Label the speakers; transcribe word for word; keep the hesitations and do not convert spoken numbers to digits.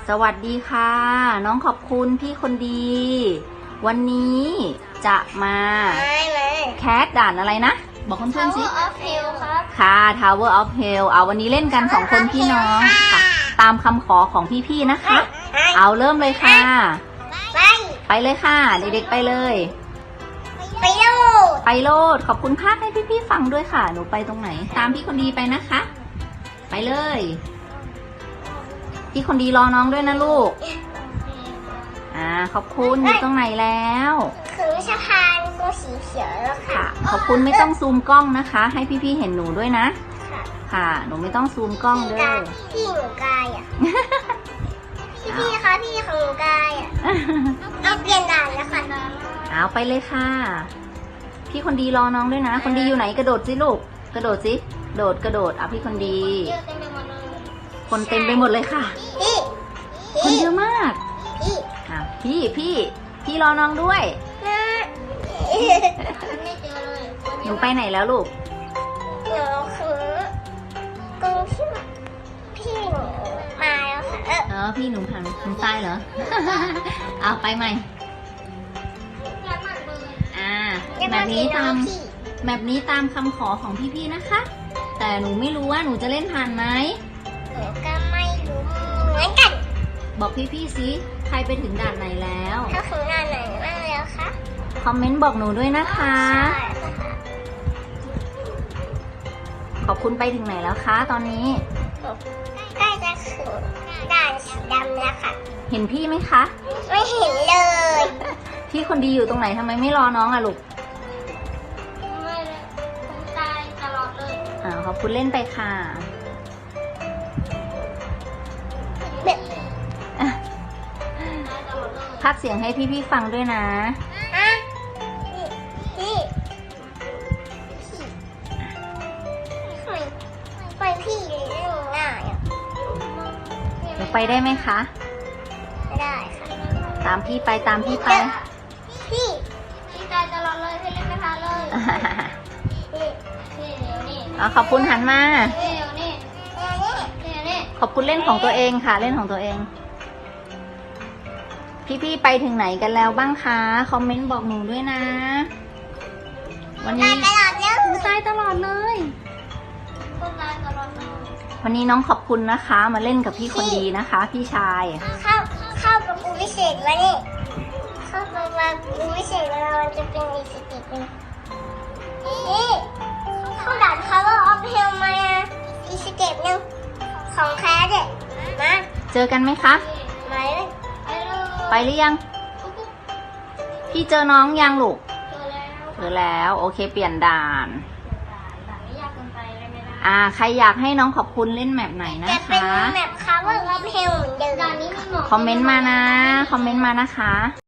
Speaker 1: สวัสดีค่ะ น้องขอบคุณพี่คนดี วันนี้จะมาแคสด่านอะไรนะ บอกเพื่อนๆสิ
Speaker 2: Tower of Hell ครับ
Speaker 1: ค่ะ Tower of Hell เอาวันนี้เล่นกันสองคนพี่น้องค่ะ ตามคำขอของพี่ๆนะคะ เอาเริ่มเลยค่ะ
Speaker 2: ไป
Speaker 1: ไปเลยค่ะ เด็กๆไปเลย
Speaker 2: ไปโลด
Speaker 1: ไปโลดขอบคุณภาคให้พี่ๆฟังด้วยค่ะ หนูไปตรงไหน ตามพี่คนดีไปนะคะ ไปเลย พี่คนดีรอน้องด้วยนะลูก อ่าขอบคุณอยู่ตรงไหนแล้ว
Speaker 2: คือสะพานตัวสีเขียวแล้วค่ะ
Speaker 1: ค่ะ ขอบคุณไม่ต้องซูมกล้องนะคะ ให้พี่ๆเห็นหนูด้วยนะ
Speaker 2: ค่ะ
Speaker 1: ค่ะ หนูไม่ต้องซูมกล้องเด้อ
Speaker 2: พี่หนูกายอ่ะ พี่พี่คะพี่ของหนูกายอ่ะเอาเปลี่ยนด่านแล้วค่ะ
Speaker 1: เอาไปเลยค่ะ พี่คนดีรอน้องด้วยนะ คนดีอยู่ไหนกระโดดสิลูก กระโดดสิโดดกระโดดอ่ะพี่คนดี
Speaker 2: เยอะเต็มไปหมดเลย
Speaker 1: คนเต็มไปหมดเลยค่ะ
Speaker 2: พี่
Speaker 1: คนเยอะมาก
Speaker 2: พี่
Speaker 1: อ่ะพี่พี่พี่รอน้องด้วย
Speaker 2: นะไม่เจอเลย
Speaker 1: หนูไปไหนแล้วลูก
Speaker 2: หนูคือตรงที่พี่หนูมาแล้วค่ะเออ
Speaker 1: เออพี่หนูผ่านหนูตายเหรอ เอาไปใหม่ อ่าแบบนี้ตามแบบนี้ตามคำขอของพี่ๆนะคะ แต่หนูไม่รู้ว่าหนูจะเล่นผ่านไหม
Speaker 2: หนูก็ไม่รู้เหมือนกัน
Speaker 1: บอกพี่ๆสิใครไปถึงด่านไหนแล้ว
Speaker 2: ถ้าถึงด่านไหนบ้างแล้วคะ
Speaker 1: คอมเมนต์บอกหนูด้วยนะคะ
Speaker 2: ใช่ค่ะ
Speaker 1: ขอบคุณไปถึงไหนแล้วคะตอนนี้
Speaker 2: ใกล้จะถึงด่านสีดำแล้วค่ะ
Speaker 1: เห็นพี่ไหมคะ
Speaker 2: ไม่เห็นเลย
Speaker 1: พี่คนดีอยู่ตรงไหนทำไมไม่รอน้องอะลูก
Speaker 2: ไม่เลยผมตายตลอดเลย
Speaker 1: อ่าขอบคุณเล่นไปค่ะ
Speaker 2: แบบ
Speaker 1: อ่ะ
Speaker 2: ตายตลอดเลย
Speaker 1: พากย์เสียงให้พี่ๆฟังด้วยนะ
Speaker 2: ฮะพี่พี่ทำไมไปพี่เรื่องง่ายอ่ะ
Speaker 1: หนูไปได้ไหมคะ
Speaker 2: ไม่ได้ค่ะ
Speaker 1: ตามพี่ไปตามพี่ไป
Speaker 2: พี่พี่ตายตลอดเลยให้เล่นไม่ทันเลยนี่นี่เดี๋ยวนี่
Speaker 1: อ่ะขอบคุณหันมา
Speaker 2: เดี๋ยวนี่เดี๋ยวนี่เดี๋ยวนี่
Speaker 1: ขอบคุณเล่นของตัวเองค่ะ เล่นของตัวเอง พี่ๆไปถึงไหนกันแล้วบ้างคะ คอมเมนต์บอกหนูด้วยนะ วัน
Speaker 2: ตา
Speaker 1: นี้
Speaker 2: ยตลอดแล้ว
Speaker 1: หนูตายตลอดเลย
Speaker 2: คนตายตลอดเลย
Speaker 1: วันนี้น้องขอบคุณนะคะ มาเล่นกับพี่คนดีนะคะ พี่ชาย
Speaker 2: เข้าเข้ากับปูวิเศษวะนี่เข้ากับปูวิเศษเวลามันจะเป็นอีสติกเลยนี่เข้าด่าน Tower of Hell มาอีสเก็ปหนึ่งของแคสเนี่ยมา
Speaker 1: เจอกันไหมคะ
Speaker 2: มาเลยไปเลย
Speaker 1: ไปหรือยัง พี่เจอน้องยังลูก
Speaker 2: เจอแล้ว
Speaker 1: เจอแล้ว โอเคเปลี่ยนด่าน
Speaker 2: ด่านไม่ยากเกินไปเลยไม่ได้
Speaker 1: อ่า ใครอยากให้น้องขอบคุณเล่นแมปไหนนะ
Speaker 2: จะเป็น
Speaker 1: คะ
Speaker 2: แบบ Tower of Hell เหมือนเดิมด่านนี้มีหมอ
Speaker 1: คอมเมนต์มานะ คอมเมนต์มานะคะ